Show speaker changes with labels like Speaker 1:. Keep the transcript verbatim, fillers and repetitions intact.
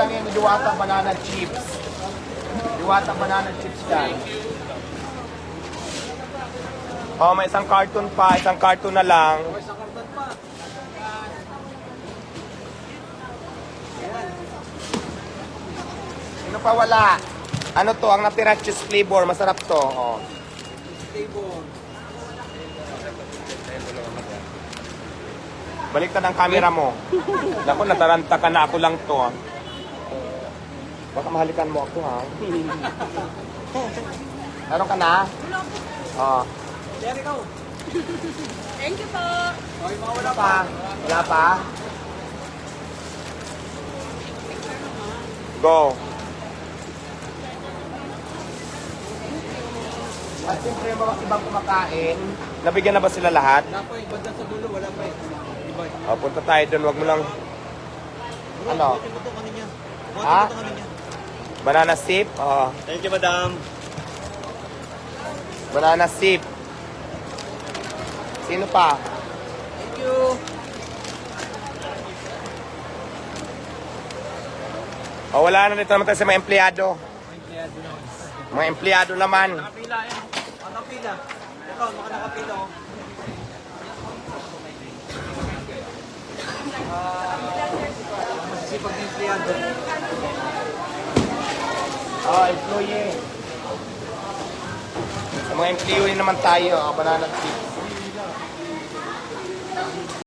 Speaker 1: lang yan, diwata banana chips. Diwata banana chips yan. Oh, may isang carton pa, isang carton na lang. Sino pa wala? Ano to? Ang natira cheese flavor. Masarap to. Oh. Baliktad ang camera mo. Naku, nataranta ka na. Ako lang to. Baka mahalikan mo ako, ha? Meron ka na? Oh.
Speaker 2: Thank you po.
Speaker 1: Wala pa? Wala pa? Go. At siyempre yung mga ibang kumakain, nabigyan na ba sila lahat?
Speaker 3: Wala pa eh, banda sa dulo, wala pa eh. Iba eh.
Speaker 1: O, punta tayo doon, wag mo lang... Ano?
Speaker 3: Buti mo ito kanina. Buti
Speaker 1: Ha?
Speaker 3: mo ito kanina.
Speaker 1: Banana sip? Oo.
Speaker 3: Thank you, madam.
Speaker 1: Banana sip. Sino pa?
Speaker 3: Thank you.
Speaker 1: O, wala na dito naman tayo sa mga empleyado.
Speaker 3: Empleyado na.
Speaker 1: Mga empleyado naman.
Speaker 3: Nakapila eh. Nakapila. Ito, maka nakapila oh. Ah, masisipag na empleyado.
Speaker 1: Oh, employee. Sa mga employee naman tayo, o, banana sip.